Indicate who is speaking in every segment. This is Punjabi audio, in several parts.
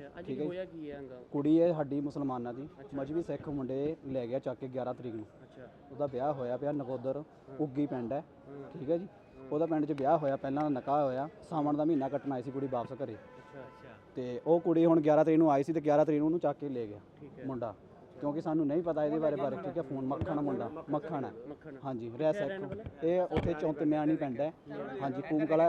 Speaker 1: ठीक है कुड़ी है साडी मुसलमाना दी मजहबी सिख मुंडे ले गया चक के 11 तरीक नूं ਉਹਦਾ ਵਿਆਹ ਹੋਇਆ ਪਿਆ ਨਕੋਦਰ ਉੱਗੀ ਪਿੰਡ ਹੈ ਠੀਕ ਹੈ ਜੀ ਉਹਦਾ ਪਿੰਡ 'ਚ ਵਿਆਹ ਹੋਇਆ ਪਹਿਲਾਂ ਨਿਕਾਹ ਹੋਇਆ ਸਾਵਣ ਦਾ ਮਹੀਨਾ ਕੱਟਣ ਆਈ ਸੀ ਕੁੜੀ ਵਾਪਸ ਘਰੇ ਤੇ ਉਹ ਕੁੜੀ ਹੁਣ 11 ਤਰੀਕ ਨੂੰ ਆਈ ਸੀ ਤੇ 11 ਤਰੀਕ ਨੂੰ ਉਹਨੂੰ ਚੱਕ ਕੇ ਲੈ ਗਿਆ ਮੁੰਡਾ ਕਿਉਂਕਿ ਸਾਨੂੰ ਨਹੀਂ ਪਤਾ ਇਹਦੇ ਬਾਰੇ ਠੀਕ ਹੈ ਫੋਨ ਮੱਖਣ ਮੁੰਡਾ ਮੱਖਣ ਹੈ ਹਾਂਜੀ ਰਹਿ ਸਿੱਖ ਇਹ ਉੱਥੇ ਚੌਂਤੇ ਮਿਆਣੀ ਪਿੰਡ ਹੈ ਹਾਂਜੀ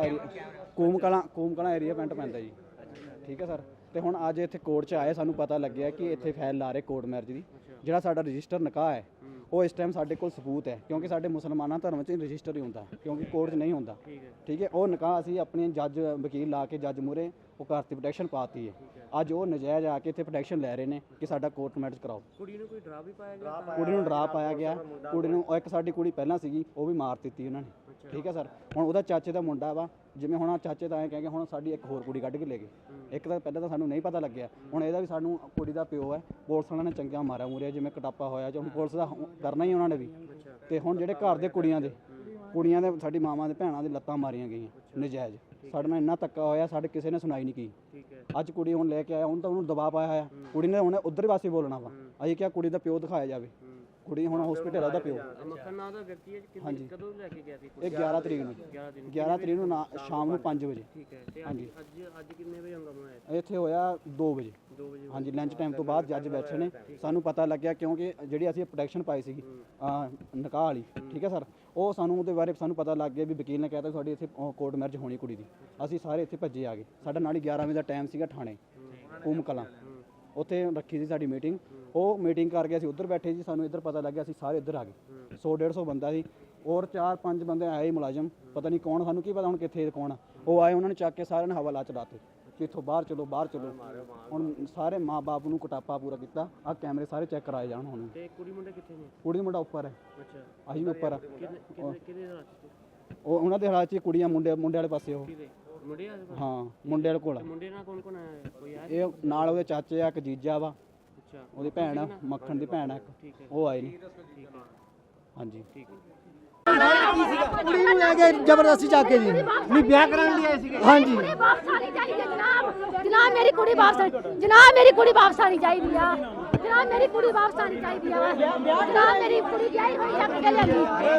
Speaker 1: ਕੂਮਕਲਾ ਏਰੀਆ ਪਿੰਡ ਪੈਂਦਾ ਜੀ ਠੀਕ ਹੈ ਸਰ ਤੇ ਹੁਣ ਅੱਜ ਇੱਥੇ ਕੋਰਟ 'ਚ ਆਏ ਸਾਨੂੰ ਪਤਾ ਲੱਗਿਆ ਕਿ ਇੱਥੇ ਫਾਈਲ ਲਾ ਰਹੇ ਕੋਰਟ ਮੈਰਿਜ ਦੀ ਜਿਹੜਾ ਸਾਡਾ ਰਜਿਸਟਰ ਨਿਕਾਹ ਹੈ ਉਹ ਇਸ ਟਾਈਮ ਸਾਡੇ ਕੋਲ ਸਬੂਤ ਹੈ ਕਿਉਂਕਿ ਸਾਡੇ ਮੁਸਲਮਾਨਾਂ ਧਰਮ 'ਚ ਰਜਿਸਟਰ ਹੀ ਹੁੰਦਾ ਕਿਉਂਕਿ ਕੋਰਟ 'ਚ ਨਹੀਂ ਹੁੰਦਾ ਠੀਕ ਹੈ ਉਹ ਨਿਕਾਹ ਅਸੀਂ ਆਪਣੇ ਜੱਜ ਵਕੀਲ ਲਾ ਕੇ ਜੱਜ ਮੂਹਰੇ ਉਹ ਘਰ ਦੀ ਪ੍ਰੋਟੈਕਸ਼ਨ ਪਾਤੀ ਹੈ ਅੱਜ ਉਹ ਨਜਾਇਜ਼ ਆ ਕੇ ਇੱਥੇ ਪ੍ਰੋਟੈਕਸ਼ਨ ਲੈ ਰਹੇ ਨੇ ਕਿ ਸਾਡਾ ਕੋਰਟ ਮੈਰਿਜ ਕਰਾਓ ਕੁੜੀ ਨੂੰ ਕੋਈ ਡਰਾ ਵੀ ਪਾਇਆ ਗਿਆ ਕੁੜੀ ਨੂੰ ਡਰਾ ਪਾਇਆ ਗਿਆ ਕੁੜੀ ਨੂੰ ਇੱਕ ਸਾਡੀ ਕੁੜੀ ਪਹਿਲਾਂ ਸੀਗੀ ਉਹ ਵੀ ਮਾਰ ਦਿੱਤੀ ਉਹਨਾਂ ਨੇ ਠੀਕ ਹੈ ਸਰ ਹੁਣ ਉਹਦਾ ਚਾਚੇ ਦਾ ਮੁੰਡਾ ਵਾ ਜਿਵੇਂ ਹੁਣ ਚਾਚੇ ਤਾਂ ਐਂ ਕਹਿ ਕੇ ਹੁਣ ਸਾਡੀ ਇੱਕ ਹੋਰ ਕੁੜੀ ਕੱਢ ਕੇ ਲੈ ਗਏ ਇੱਕ ਤਾਂ ਪਹਿਲਾਂ ਤਾਂ ਸਾਨੂੰ ਨਹੀਂ ਪਤਾ ਲੱਗਿਆ ਹੁਣ ਇਹਦਾ ਵੀ ਸਾਨੂੰ ਕੁੜੀ ਦਾ ਪਿਓ ਹੈ ਪੁਲਿਸ ਵਾਲਿਆਂ ਨੇ ਚੰਗਾ ਮਾਰਿਆ ਮੂਰਿਆ ਜਿਵੇਂ ਕਟਾਪਾ ਹੋਇਆ ਜਾਂ ਹੁਣ ਪੁਲਿਸ ਦਾ ਕਰਨਾ ਹੀ ਉਹਨਾਂ ਨੇ ਵੀ ਤੇ ਹੁਣ ਜਿਹੜੇ ਘਰ ਦੇ ਕੁੜੀਆਂ ਦੇ ਸਾਡੀ ਮਾਵਾਂ ਦੇ ਭੈਣਾਂ ਦੇ ਲੱਤਾਂ ਮਾਰੀਆਂ ਗਈਆਂ ਨਜਾਇਜ਼ ਸਾਡੇ ਨਾਲ ਇੰਨਾ ਧੱਕਾ ਹੋਇਆ ਸਾਡੇ ਕਿਸੇ ਨੇ ਸੁਣਾਈ ਨਹੀਂ ਕੀ ਅੱਜ ਕੁੜੀ ਹੁਣ ਲੈ ਕੇ ਆਇਆ ਹੁਣ ਤਾਂ ਉਹਨੂੰ ਦਬਾਅ ਪਾਇਆ ਹੋਇਆ ਕੁੜੀ ਨੇ ਹੁਣ ਉਧਰ ਪਾਸੇ ਬੋਲਣਾ ਵਾ ਅਸੀਂ ਕਿਹਾ ਕੁੜੀ ਦਾ ਪਿਓ ਦਿਖਾਇਆ ਜਾਵੇ ਕੁੜੀ ਹੁਣ ਹਸਪੀਟਲ ਉਹਦਾ ਪਿਓ ਮੱਖਣ ਨਾਂ ਦਾ ਵਿਅਕਤੀ ਹੈ ਹਾਂਜੀ ਕਦੋਂ ਲੈ ਕੇ ਗਿਆ ਸੀ ਇਹ 11 ਤਰੀਕ ਨੂੰ ਸ਼ਾਮ ਨੂੰ 5 ਵਜੇ ਠੀਕ ਹੈ ਤੇ ਅੱਜ ਕਿੰਨੇ ਵਜੇ ਹੰਗਾਮਾ ਹੋਇਆ ਇੱਥੇ ਹੋਇਆ 2 ਵਜੇ ਹਾਂਜੀ ਲੰਚ ਟਾਈਮ ਤੋਂ ਬਾਅਦ ਜੱਜ ਬੈਠੇ ਨੇ ਸਾਨੂੰ ਪਤਾ ਲੱਗਿਆ ਕਿਉਂਕਿ ਜਿਹੜੀ ਅਸੀਂ ਪ੍ਰੋਟੈਕਸ਼ਨ ਪਾਈ ਸੀਗੀ ਨਿਕਾਹ ਵਾਲੀ ਠੀਕ ਹੈ ਸਰ ਉਹ ਸਾਨੂੰ ਉਹਦੇ ਬਾਰੇ ਸਾਨੂੰ ਪਤਾ ਲੱਗ ਗਿਆ ਵੀ ਵਕੀਲ ਨੇ ਕਹਿਤਾ ਤੁਹਾਡੀ ਇੱਥੇ ਕੋਰਟ ਮੈਰਿਜ ਹੋਣੀ ਕੁੜੀ ਦੀ ਅਸੀਂ ਸਾਰੇ ਇੱਥੇ ਭੱਜੇ ਆ ਗਏ ਸਾਡਾ ਨਾਲ ਹੀ 11 ਵਜੇ ਦਾ ਟਾਈਮ ਸੀਗਾ ਥਾਣੇ ਕੂਮਕਲਾਂ ਉੱਥੇ ਰੱਖੀ ਸੀ ਸਾਡੀ ਮੀਟਿੰਗ ਉਹ ਮੀਟਿੰਗ ਕਰਕੇ ਅਸੀਂ ਉੱਧਰ ਬੈਠੇ ਜੀ ਸਾਨੂੰ ਇੱਧਰ ਪਤਾ ਲੱਗਿਆ ਅਸੀਂ ਸਾਰੇ ਇੱਧਰ ਆ ਗਏ 100-150 ਬੰਦਾ ਸੀ ਔਰ 4-5 ਬੰਦੇ ਆਏ ਮੁਲਾਜ਼ਮ ਪਤਾ ਨਹੀਂ ਕੌਣ ਸਾਨੂੰ ਕੀ ਪਤਾ ਹੁਣ ਕਿੱਥੇ ਕੌਣ ਆ ਉਹ ਆਏ ਉਹਨਾਂ ਨੇ ਚੱਕ ਕੇ ਸਾਰਿਆਂ ਨੇ ਹਵਾਲਾ ਚਲਾਤੇ ਕਿ ਇੱਥੋਂ ਬਾਹਰ ਚਲੋ ਹੁਣ ਸਾਰੇ ਮਾਂ ਬਾਪ ਨੂੰ ਕੁਟਾਪਾ ਪੂਰਾ ਕੀਤਾ ਆਹ ਕੈਮਰੇ ਸਾਰੇ ਚੈੱਕ ਕਰਾਏ ਜਾਣ ਹੁਣ ਤੇ ਕੁੜੀ ਮੁੰਡਾ ਕਿੱਥੇ ਨੇ ਕੁੜੀ ਮੁੰਡਾ ਉੱਪਰ ਹੈ ਅੱਛਾ ਅਸੀਂ ਉੱਪਰ ਆ ਉਹ ਉਹਨਾਂ ਦੇ ਹਾਲਾਤ 'ਚ ਕੁੜੀਆਂ ਮੁੰਡੇ ਵਾਲੇ ਪਾਸੇ ਉਹ ਹਾਂ ਮੁੰਡੇ ਵਾਲੇ ਕੋਲ ਮੁੰਡੇ ਨਾਲ ਕੌਣ ਆਇਆ ਕੋਈ ਆ ਇਹ ਨਾਲ ਉਹਦੇ ਚਾਚੇ ਆ ਇੱਕ ਜੀਜਾ ਵਾ ਅੱਛਾ ਉਹਦੀ ਭੈਣ ਆ ਮੱਖਣ ਦੀ ਭੈਣ ਆ ਇੱਕ ਉਹ ਆਏ ਨੇ ਹਾਂਜੀ ਠੀਕ ਹੈ ਕੁੜੀ ਨੂੰ ਲੈ ਕੇ ਜ਼ਬਰਦਸਤੀ ਚੱਕ ਕੇ ਜੀ ਨਹੀਂ ਵਿਆਹ ਕਰਾਉਣ ਲਈ ਆਏ ਸੀਗੇ ਹਾਂਜੀ ਵਾਪਸ ਆਣੀ ਚਾਹੀਦੀ ਜਨਾਬ ਮੇਰੀ ਕੁੜੀ ਵਾਪਸ ਆਣੀ ਚਾਹੀਦੀ ਆ ਜਨਾਬ ਮੇਰੀ ਕੁੜੀ ਵਾਪਸ ਆਣੀ ਚਾਹੀਦੀ ਆ ਜਨਾਬ ਮੇਰੀ ਕੁੜੀ ਵਿਆਹੀ ਹੋਈ ਚੱਕ ਕੇ ਲਿਆਂਦੀ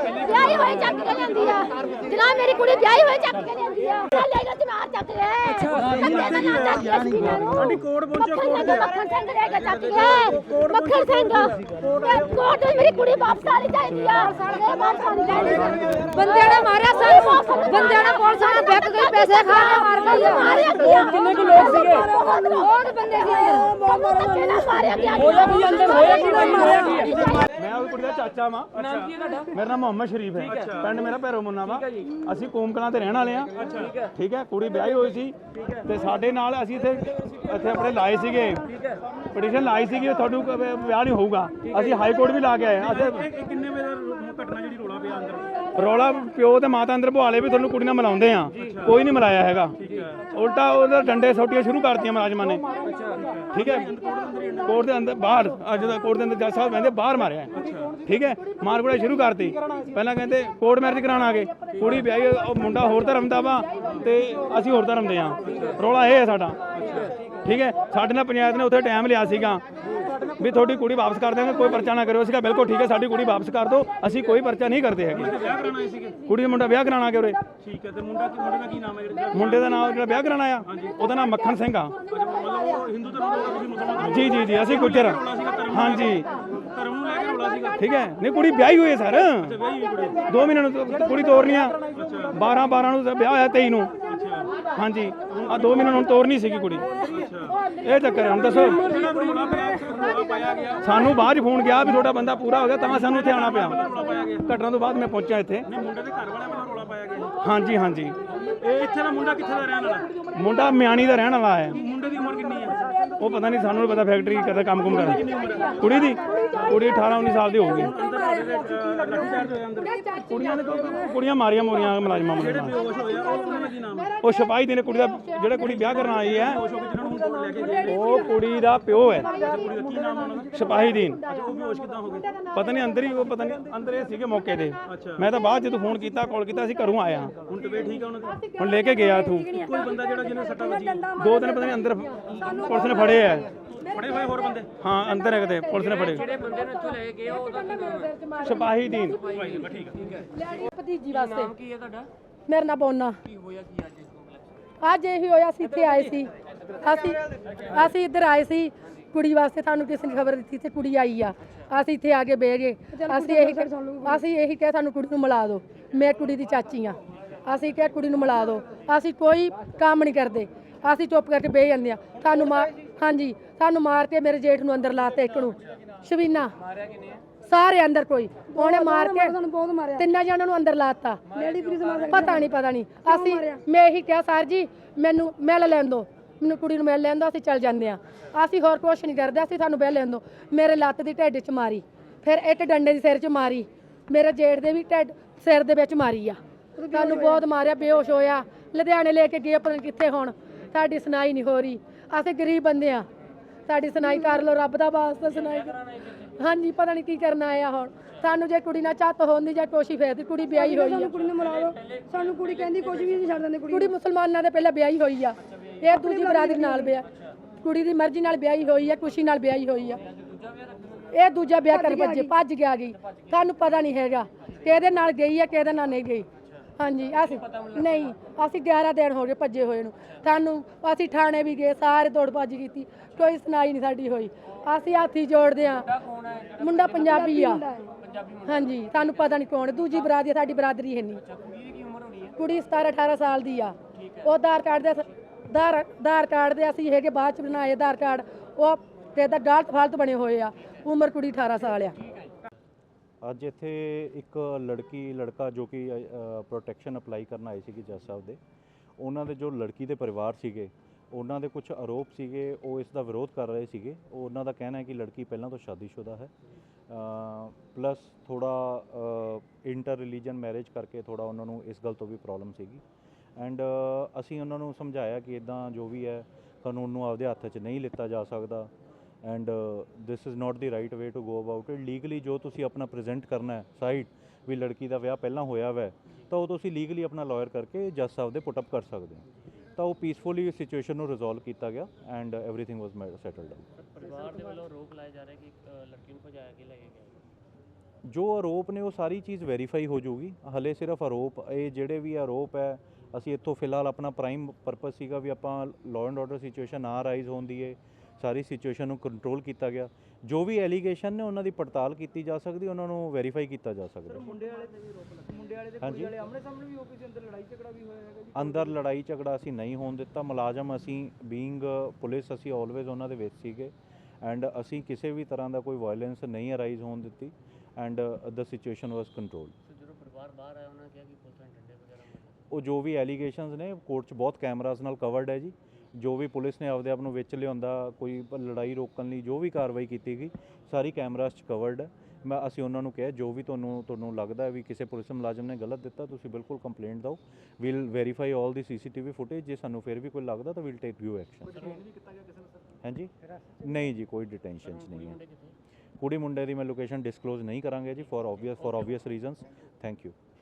Speaker 1: ਆ ਜਨਾਬ ਮੇਰੀ ਕੁੜੀ ਵਿਆਹੀ ਹੋਈ ਚੱਕ ਕੇ ਲਿਆਂਦੀ ਆ ਲੈ ਗਿਆ ਤੇ ਮਾਰ ਚੱਕ ਲੈ ਸਾਡੀ ਕੋਰਟ ਪਹੁੰਚੋ ਮੱਖਣ ਸਿੰਘ ਲੈ ਕੇ ਚੱਕ ਗਿਆ ਮੱਖਣ ਸਿੰਘ ਕੋਰਟ ਮੇਰੀ ਕੁੜੀ ਵਾਪਸ ਆਣੀ ਚਾਹੀਦੀ ਆ ਵਾਪਸ ਆਣੀ ਬੰਦਿਆਂ ਨੇ ਮਾਰਿਆ ਸਾਨੂੰ ਬੰਦਿਆਂ ਨੇ ਪੁਲਿਸ ਵਾਲੇ ਬੈਕ ਗਈ ਪੈਸੇ ਖਾ ਕੇ ਮਾਰ ਗਈ ਕਿੰਨੇ ਕੁ ਲੋਕ ਸੀਗੇ ਬਹੁਤ ਬੰਦੇ ਸੀ ਮਾਰਿਆ ਗਿਆ ਹੋਇਆ ਕੀ ਅੰਦਰ ਹੋਇਆ ਕੀ ਮੈਂ ਉਹ ਕੁੜੀ ਦਾ ਚਾਚਾ ਵਾਂ ਨਾਮ ਕੀ ਹੈ ਤੁਹਾਡਾ ਮੇਰਾ ਨਾਮ ਮੁਹੰਮਦ ਸ਼ਰੀਫ ਹੈ ਪਿੰਡ ਮੇਰਾ ਭੈਰੋ ਮੁੰਨਾ ਵਾ ਅਸੀਂ ਕੂਮਕਲਾਂ ਤੇ ਰਹਿਣ ਵਾਲੇ ਆ ਠੀਕ ਹੈ ਕੁੜੀ ਵਿਆਹੀ ਹੋਈ ਸੀ ਤੇ ਸਾਡੇ ਨਾਲ ਅਸੀਂ ਇੱਥੇ ਆਪਣੇ ਲਾਏ ਸੀਗੇ ਪਟੀਸ਼ਨ ਲਾਈ ਸੀਗੀ ਤੁਹਾਨੂੰ ਵਿਆਹ ਨਹੀਂ ਹੋਊਗਾ ਅਸੀਂ ਹਾਈ ਕੋਰਟ ਵੀ ਲਾ ਕੇ ਆਏ ਅਸੀਂ ਕਿੰਨੇ ਵਜੇ ਘਟਨਾ ਜਿਹੜੀ ਰੋਲਾ ਪਿਆ ਅੰਦਰ ਰੌਲਾ ਪਿਓ ਤੇ ਮਾਤਾ ਅੰਦਰ ਬੁਹਾਲੇ ਵੀ ਤੁਹਾਨੂੰ ਕੁੜੀ ਨਾਲ ਮਿਲਾਉਂਦੇ ਆ ਕੋਈ ਨਹੀਂ ਮਿਲਾਇਆ ਹੈਗਾ ਉਲਟਾ ਉਹਦਾ ਡੰਡੇ ਸੋਟੀਆਂ ਸ਼ੁਰੂ ਕਰਤੀਆਂ ਮੁਲਾਜ਼ਮਾਂ ਨੇ ਠੀਕ ਹੈ ਕੋਰਟ ਦੇ ਅੰਦਰ ਬਾਹਰ ਅੱਜ ਦਾ ਕੋਰਟ ਦੇ ਅੰਦਰ ਜੱਜ ਸਾਹਿਬ ਕਹਿੰਦੇ ਬਾਹਰ ਮਾਰਿਆ ਠੀਕ ਹੈ ਮਾਰ ਕੁੜਾ ਸ਼ੁਰੂ ਕਰਤੀ ਪਹਿਲਾਂ ਕਹਿੰਦੇ ਕੋਰਟ ਮੈਰਿਜ ਕਰਾਉਣ ਆ ਗਏ ਕੁੜੀ ਵਿਆਹੀ ਉਹ ਮੁੰਡਾ ਹੋਰ ਧਰਮ ਦਾ ਵਾ ਤੇ ਅਸੀਂ ਹੋਰ ਧਰਮ ਦੇ ਆ ਰੌਲਾ ਇਹ ਹੈ ਸਾਡਾ ਠੀਕ ਹੈ ਸਾਡੇ ਨਾਲ ਪੰਚਾਇਤ ਨੇ ਉੱਥੇ ਟਾਈਮ ਲਿਆ ਸੀਗਾ ਵੀ ਤੁਹਾਡੀ ਕੁੜੀ ਵਾਪਸ ਕਰ ਦੇਵਾਂਗੇ ਕੋਈ ਪਰਚਾ ਨਾ ਕਰਿਓ ਸੀਗਾ ਬਿਲਕੁਲ ਠੀਕ ਹੈ ਸਾਡੀ ਕੁੜੀ ਵਾਪਸ ਕਰ ਦਿਓ ਅਸੀਂ ਕੋਈ ਪਰਚਾ ਨਹੀਂ ਕਰਦੇ ਹੈਗੇ ਕੁੜੀ ਦਾ ਮੁੰਡਾ ਵਿਆਹ ਕਰਾਉਣਾ ਕਿ ਉਰੇ ਠੀਕ ਹੈ ਤੇ ਮੁੰਡੇ ਦਾ ਕੀ ਨਾਮ ਹੈ ਮੁੰਡੇ ਦਾ ਨਾਮ ਜਿਹੜਾ ਵਿਆਹ ਕਰਾਉਣਾ ਆ ਉਹਦਾ ਨਾਮ ਮੱਖਣ ਸਿੰਘ ਆ ਹਿੰਦੂ ਧਰਮ ਜੀ ਅਸੀਂ ਗੁੱਜਰ ਹਾਂਜੀ ਧਰਮ ਨੂੰ ਲੈ ਕੇ ਰੌਲਾ ਸੀਗਾ ਠੀਕ ਹੈ ਨਹੀਂ ਕੁੜੀ ਵਿਆਹੀ ਹੋਈ ਹੈ ਸਰ 2 ਮਹੀਨੇ ਨੂੰ ਕੁੜੀ ਤੋਰਨੀ ਆ 12 ਨੂੰ ਵਿਆਹ ਹੋਇਆ 23 ਨੂੰ ਹਾਂਜੀ ਆ 2 ਮਹੀਨੇ ਨੂੰ ਤੋਰਨੀ ਸੀਗੀ ਕੁੜੀ ਇਹ ਚੱਕਰ ਹੁਣ ਦੱਸੋ ਸਾਨੂੰ ਬਾਅਦ ਫੋਨ ਗਿਆ ਵੀ ਤੁਹਾਡਾ ਬੰਦਾ ਪੂਰਾ ਹੋ ਗਿਆ ਤਾਂ ਸਾਨੂੰ ਇੱਥੇ ਆਉਣਾ ਪਿਆ ਘਟਨਾ ਤੋਂ ਬਾਅਦ ਮੈਂ ਪਹੁੰਚਿਆ ਇੱਥੇ ਮੁੰਡੇ ਦੇ ਘਰ ਵਾਲਿਆਂ ਵੱਲੋਂ ਰੌਲਾ ਪਾਇਆ ਗਿਆ ਹਾਂਜੀ ਇਹ ਇੱਥੇ ਦਾ ਮੁੰਡਾ ਕਿੱਥੇ ਦਾ ਰਹਿਣ ਵਾਲਾ ਮੁੰਡਾ ਮਿਆਣੀ ਦਾ ਰਹਿਣ ਵਾਲਾ ਹੈ ਮੁੰਡੇ ਦੀ ਉਮਰ ਕਿੰਨੀ ਹੈ ਉਹ ਪਤਾ ਨਹੀਂ ਸਾਨੂੰ ਪਤਾ ਫੈਕਟਰੀ ਕਰਦਾ ਕੰਮ ਕਰਦਾ ਕੁੜੀ 18-19 ਸਾਲ ਦੀ ਹੋਊਗੀ ਕੁੜੀਆਂ ਮਾਰੀਆਂ ਮੋਰੀਆਂ ਮੁਲਾਜ਼ਮਾਂ ਉਹ ਸਿਪਾਹੀ ਦੇ ਨੇ ਕੁੜੀ ਦਾ ਜਿਹੜਾ ਕੁੜੀ ਵਿਆਹ ਕਰਨ ਆਈ ਹੈ
Speaker 2: ਉਹ ਕੁੜੀ ਦਾ ਪਿਓ ਹੈ ਸਿਪਾਹੀ ਦੀਨ। ਪਤਾ ਨਹੀਂ ਅੰਦਰ ਹੀ, ਉਹ ਪਤਾ ਨਹੀਂ ਅੰਦਰ ਇਹ ਸੀਗੇ ਮੌਕੇ ਤੇ। ਮੈਂ ਤਾਂ ਬਾਅਦ ਜਦੋਂ ਫੋਨ ਕੀਤਾ, ਕਾਲ ਕੀਤਾ, ਅਸੀਂ ਘਰੋਂ ਆਏ ਹਾਂ।
Speaker 3: ਹੁਣ ਤਬੀਅਤ ਠੀਕ ਆ ਉਹਨਾਂ ਦੀ?
Speaker 2: ਹੁਣ ਲੈ ਕੇ ਗਿਆ ਤੂੰ
Speaker 3: ਕੋਈ ਬੰਦਾ ਜਿਹੜਾ ਜਿਹਨੇ ਸੱਟਾਂ ਵੱਜੀਆਂ?
Speaker 2: 2 ਦਿਨ ਪਤਾ ਨਹੀਂ ਅੰਦਰ ਪੁਲਿਸ ਨੇ ਫੜੇ ਆ।
Speaker 3: ਫੜੇ ਹੋਏ ਹੋਰ ਬੰਦੇ?
Speaker 2: ਹਾਂ ਅੰਦਰ ਹੈ ਕਿਤੇ, ਪੁਲਿਸ ਨੇ ਫੜੇ।
Speaker 4: ਜਿਹੜੇ ਬੰਦੇ ਨੂੰ ਇੱਥੋਂ ਲੈ ਕੇ ਉਹ
Speaker 2: ਸਿਪਾਹੀ ਦੀਨ।
Speaker 5: ਭਤੀਜੀ ਵਾਸਤੇ।
Speaker 4: ਨਾਮ ਕੀ ਹੈ ਤੁਹਾਡਾ?
Speaker 5: ਮੇਰਾ ਨਾਂ ਬੋਨਾ।
Speaker 4: ਕੀ ਹੋਇਆ ਕੀ ਅੱਜ
Speaker 5: ਅੱਜ ਇਹੀ ਹੋਇਆ, ਅਸੀਂ ਇੱਥੇ ਆਏ ਸੀ। ਅਸੀਂ ਇੱਧਰ ਆਏ ਸੀ ਕੁੜੀ ਵਾਸਤੇ, ਸਾਨੂੰ ਕਿਸੇ ਨੇ ਖਬਰ ਦਿੱਤੀ ਤੇ ਕੁੜੀ ਆਈ ਆ। ਅਸੀਂ ਇੱਥੇ ਆ ਕੇ ਬਹਿ ਗਏ। ਅਸੀਂ ਇਹੀ ਕਿਹਾ ਸਾਨੂੰ ਕੁੜੀ ਨੂੰ ਮਿਲਾ ਦਿਓ। ਮੈਂ ਕੁੜੀ ਦੀ ਚਾਚੀ ਆ। ਅਸੀਂ ਕਿਹਾ ਕੁੜੀ ਨੂੰ ਮਿਲਾ ਦਿਓ। ਅਸੀਂ ਕੋਈ ਕੰਮ ਨਹੀਂ ਕਰਦੇ, ਅਸੀਂ ਚੁੱਪ ਕਰਕੇ ਬਹਿ ਜਾਂਦੇ ਆ। ਸਾਨੂੰ ਮਾਰ ਕੇ ਮੇਰੇ ਜੇਠ ਨੂੰ ਅੰਦਰ ਲਾਤਾ, ਇੱਕ ਨੂੰ ਸ਼ਬੀਨਾ, ਸਾਰੇ ਅੰਦਰ। ਕੋਈ ਉਹਨੇ ਮਾਰ ਕੇ 3 ਜਣਾਂ ਨੂੰ ਅੰਦਰ ਲਾਤਾ। ਪਤਾ ਨਹੀਂ ਅਸੀਂ ਮੈਂ ਇਹੀ ਕਿਹਾ ਸਰ ਜੀ ਮੈਨੂੰ ਮਿਲ ਲੈਣ ਦਿਓ, ਮੈਨੂੰ ਕੁੜੀ ਨੂੰ ਮਿਲ ਲੈਣ ਦਿਓ, ਅਸੀਂ ਚੱਲ ਜਾਂਦੇ ਆ। ਅਸੀਂ ਹੋਰ ਕੁਛ ਨਹੀਂ ਕਰਦੇ, ਅਸੀਂ ਸਾਨੂੰ ਮਿਲ ਲੈਣ ਦਿਓ। ਮੇਰੇ ਲੱਤ ਦੀ ਢਿੱਡ 'ਚ ਮਾਰੀ, ਫਿਰ ਇੱਕ ਡੰਡੇ ਦੀ ਸਿਰ 'ਚ ਮਾਰੀ, ਮੇਰੇ ਜੇਠ ਦੇ ਵੀ ਢਿੱਡ ਸਿਰ ਦੇ ਵਿੱਚ ਮਾਰੀ ਆ। ਸਾਨੂੰ ਬਹੁਤ ਮਾਰਿਆ, ਬੇਹੋਸ਼ ਹੋਇਆ, ਲੁਧਿਆਣੇ ਲੈ ਕੇ ਗਏ, ਪਤਾ ਨਹੀਂ ਕਿੱਥੇ। ਹੁਣ ਸਾਡੀ ਸੁਣਾਈ ਨਹੀਂ ਹੋ ਰਹੀ, ਅਸੀਂ ਗਰੀਬ ਬੰਦੇ ਆ, ਸਾਡੀ ਸੁਣਾਈ ਕਰ ਲਓ, ਰੱਬ ਦਾ ਵਾਸਤਾ ਸੁਣਾਈ। ਹਾਂਜੀ ਪਤਾ ਨਹੀਂ ਕੀ ਕਰਨਾ ਆਇਆ ਹੁਣ ਸਾਨੂੰ। ਜੇ ਕੁੜੀ ਨਾਲ ਝੱਤ ਹੁੰਦੀ ਜਾਂ ਕੋਸ਼ੀ ਫੇਰਦੀ, ਕੁੜੀ ਵਿਆਹੀ ਹੋਈ ਆ।
Speaker 6: ਕੁੜੀ ਨੂੰ ਮਿਲਾ ਲਓ, ਸਾਨੂੰ ਕੁੜੀ ਕਹਿੰਦੀ ਕੁਝ ਵੀ ਨਹੀਂ ਛੱਡ ਦਿੰਦੇ।
Speaker 5: ਕੁੜੀ ਮੁਸਲਮਾਨਾਂ ਦੇ ਪਹਿਲਾਂ ਵਿਆਹੀ ਹੋਈ ਆ, ਇਹ ਦੂਜੀ ਬਰਾਦਰੀ ਨਾਲ ਵਿਆਹ, ਕੁੜੀ ਦੀ ਮਰਜ਼ੀ ਨਾਲ ਵਿਆਹੀ ਹੋਈ ਆ, ਖੁਸ਼ੀ ਨਾਲ ਵਿਆਹੀ ਹੋਈ ਆ। ਇਹ ਦੂਜਾ ਵਿਆਹ ਕਰ ਭੱਜ ਗਿਆ ਗਈ। ਸਾਨੂੰ ਪਤਾ ਨਹੀਂ ਹੈਗਾ ਕਿਹਦੇ ਨਾਲ ਗਈ ਆ, ਕਿਹਦੇ ਨਾਲ ਨਹੀਂ ਗਈ। ਹਾਂਜੀ ਅਸੀਂ 11 ਦਿਨ ਹੋ ਗਏ ਭੱਜੇ ਹੋਏ ਨੂੰ। ਅਸੀਂ ਥਾਣੇ ਵੀ ਗਏ, ਸਾਰੇ ਦੌੜ ਭੱਜ ਕੀਤੀ, ਕੋਈ ਸੁਣਾਈ ਨਹੀਂ ਸਾਡੀ ਹੋਈ। ਅਸੀਂ ਹੱਥੀ ਜੋੜਦੇ ਆ। ਮੁੰਡਾ ਪੰਜਾਬੀ ਆ। ਹਾਂਜੀ ਸਾਨੂੰ ਪਤਾ ਨਹੀਂ ਕੌਣ। ਦੂਜੀ ਬਰਾਦਰੀ, ਸਾਡੀ ਬਰਾਦਰੀ ਹੈ ਨਹੀਂ। ਕੁੜੀ 17-18 ਸਾਲ ਦੀ ਆ। ਉਹ ਆਧਾਰ ਕਾਰਡ ਦੇ ਅਸੀਂ ਹੈਗੇ ਬਾਅਦ ਚ ਬਣਾਏ ਆਧਾਰ ਕਾਰਡ, ਉਹ ਤੇ ਦਾ ਗਲਤ ਫਾਲਤ ਬਣੇ ਹੋਏ ਆ। ਉਮਰ ਕੁੜੀ 18 ਸਾਲ ਆ।
Speaker 7: ਅੱਜ ਇੱਥੇ ਇੱਕ ਲੜਕਾ ਜੋ ਕਿ ਪ੍ਰੋਟੈਕਸ਼ਨ ਅਪਲਾਈ ਕਰਨ ਆਏ ਸੀਗੇ ਜੱਜ ਸਾਹਿਬ ਦੇ, ਉਹਨਾਂ ਦੇ ਜੋ ਲੜਕੀ ਦੇ ਪਰਿਵਾਰ ਸੀਗੇ, ਉਹਨਾਂ ਦੇ ਕੁਝ ਆਰੋਪ ਸੀਗੇ, ਉਹ ਇਸ ਦਾ ਵਿਰੋਧ ਕਰ ਰਹੇ ਸੀਗੇ। ਉਹਨਾਂ ਦਾ ਕਹਿਣਾ ਹੈ ਕਿ ਲੜਕੀ ਪਹਿਲਾਂ ਤੋਂ ਸ਼ਾਦੀशुदा ਹੈ, ਪਲੱਸ ਥੋੜਾ ਇੰਟਰ ਰਿਲੀਜਨ ਮੈਰਿਜ ਕਰਕੇ ਥੋੜਾ ਉਹਨਾਂ ਨੂੰ ਇਸ ਗੱਲ ਤੋਂ ਵੀ ਪ੍ਰੋਬਲਮ ਸੀਗੀ। ਐਂਡ ਅਸੀਂ ਉਹਨਾਂ ਨੂੰ ਸਮਝਾਇਆ ਕਿ ਇਦਾਂ ਜੋ ਵੀ ਹੈ ਕਾਨੂੰਨ ਨੂੰ ਆਪਦੇ ਹੱਥ 'ਚ ਨਹੀਂ ਲਿੱਤਾ ਜਾ ਸਕਦਾ। And this is not the right way to go about it. Legally ਜੋ ਤੁਸੀਂ ਆਪਣਾ ਪ੍ਰੈਜ਼ੈਂਟ ਕਰਨਾ ਹੈ ਸਾਈਡ ਵੀ ਲੜਕੀ ਦਾ ਵਿਆਹ ਪਹਿਲਾਂ ਹੋਇਆ ਵੈ, ਤਾਂ ਉਹ ਤੁਸੀਂ ਲੀਗਲੀ ਆਪਣਾ ਲਾਇਰ ਕਰਕੇ ਜੱਜ ਸਾਹਿਬ ਦੇ ਪੁੱਟ ਅਪ ਕਰ ਸਕਦੇ ਹੋ। ਤਾਂ ਉਹ ਪੀਸਫੁਲੀ ਸਿਚੁਏਸ਼ਨ ਨੂੰ ਰਿਜ਼ੋਲਵ ਕੀਤਾ ਗਿਆ and everything was settled down.
Speaker 4: ਪਰਿਵਾਰ ਦੇ ਵੱਲੋਂ ਆਰੋਪ ਲਾਇਆ ਜਾ ਰਿਹਾ ਕਿ ਲੜਕੀ ਨੂੰ ਭਜਾਇਆ ਕੇ ਲੈ ਕੇ ਗਿਆ।
Speaker 7: ਜੋ ਆਰੋਪ ਨੇ ਉਹ ਸਾਰੀ ਚੀਜ਼ ਵੈਰੀਫਾਈ ਹੋ ਜਾਊਗੀ। ਹਲੇ ਸਿਰਫ ਆਰੋਪ, ਇਹ ਜਿਹੜੇ ਵੀ ਆਰੋਪ ਹੈ, ਅਸੀਂ ਇੱਥੋਂ ਫਿਲਹਾਲ ਆਪਣਾ ਪ੍ਰਾਈਮ ਪਰਪਸ ਸੀਗਾ ਵੀ ਆਪਾਂ ਲਾਅ ਐਂਡ ਆਰਡਰ ਸਿਚੁਏਸ਼ਨ ਨਾ ਰਾਈਜ਼ ਹੋਣ ਦੀ ਹੈ, ਸਾਰੀ ਸਿਚੁਏਸ਼ਨ ਨੂੰ ਕੰਟਰੋਲ ਕੀਤਾ ਗਿਆ। ਜੋ ਵੀ ਐਲੀਗੇਸ਼ਨ ਨੇ ਉਹਨਾਂ ਦੀ ਪੜਤਾਲ ਕੀਤੀ ਜਾ ਸਕਦੀ, ਉਹਨਾਂ ਨੂੰ ਵੈਰੀਫਾਈ ਕੀਤਾ ਜਾ ਸਕਦਾ।
Speaker 3: ਮੁੰਡੇ ਵਾਲੇ ਤੇ ਵੀ ਰੋਕ ਮੁੰਡੇ ਵਾਲੇ ਤੇ ਕੁੜੀ ਵਾਲੇ ਆਮਣੇ ਸਾਹਮਣੇ ਵੀ ਹੋ ਕੇ ਅੰਦਰ ਲੜਾਈ ਝਗੜਾ ਵੀ ਹੋਇਆ ਹੈਗਾ ਜੀ?
Speaker 7: ਅੰਦਰ ਲੜਾਈ ਝਗੜਾ ਅਸੀਂ ਨਹੀਂ ਹੋਣ ਦਿੱਤਾ। ਮੁਲਾਜ਼ਮ ਅਸੀਂ ਬੀਇੰਗ ਪੁਲਿਸ ਅਸੀਂ ਆਲਵੇਜ਼ ਉਹਨਾਂ ਦੇ ਵਿੱਚ ਸੀਗੇ ਐਂਡ ਅਸੀਂ ਕਿਸੇ ਵੀ ਤਰ੍ਹਾਂ ਦਾ ਕੋਈ ਵਾਇਲੈਂਸ ਨਹੀਂ ਅਰਾਈਜ਼ ਹੋਣ ਦਿੱਤੀ and the situation was control.
Speaker 4: ਜਦੋਂ ਪਰਿਵਾਰ ਬਾਹਰ ਆਇਆ ਉਹਨਾਂ ਕਿਹਾ ਕਿ ਪੁਲਿਸ ਨੇ ਡੰਡੇ ਵਗੈਰਾ
Speaker 7: ਉਹ ਜੋ ਵੀ ਐਲੀਗੇਸ਼ਨਸ ਨੇ ਕੋਰਟ 'ਚ ਬਹੁਤ ਕੈਮਰਾਜ਼ ਨਾਲ ਕਵਰਡ ਹੈ ਜੀ। ਜੋ ਵੀ ਪੁਲਿਸ ਨੇ ਆਪਦੇ ਆਪ ਨੂੰ ਵਿੱਚ ਲਿਆਉਂਦਾ, ਕੋਈ ਲੜਾਈ ਰੋਕਣ ਲਈ ਜੋ ਵੀ ਕਾਰਵਾਈ ਕੀਤੀ ਗਈ, ਸਾਰੀ ਕੈਮਰਾਜ਼ 'ਚ ਕਵਰਡ ਹੈ। ਅਸੀਂ ਉਹਨਾਂ ਨੂੰ ਕਿਹਾ ਜੋ ਵੀ ਤੁਹਾਨੂੰ ਲੱਗਦਾ ਵੀ ਕਿਸੇ ਪੁਲਿਸ ਮੁਲਾਜ਼ਮ ਨੇ ਗਲਤ ਦਿੱਤਾ, ਤੁਸੀਂ ਬਿਲਕੁਲ ਕੰਪਲੇਂਟ ਦਿਓ। We'll verify all the CCTV footage. ਜੇ ਸਾਨੂੰ ਫਿਰ ਵੀ ਕੋਈ ਲੱਗਦਾ ਤਾਂ ਵੀਲ ਟੇਕ ਯੂ ਐਕਸ਼ਨ। ਹਾਂਜੀ ਨਹੀਂ ਜੀ, ਕੋਈ ਡਿਟੈਂਸ਼ਨ ਨਹੀਂ ਹੈ। ਕੁੜੀ ਮੁੰਡੇ ਦੀ ਮੈਂ ਲੋਕੇਸ਼ਨ ਡਿਸਕਲੋਜ਼ ਨਹੀਂ ਕਰਾਂਗੇ ਜੀ for obvious reasons. Thank you.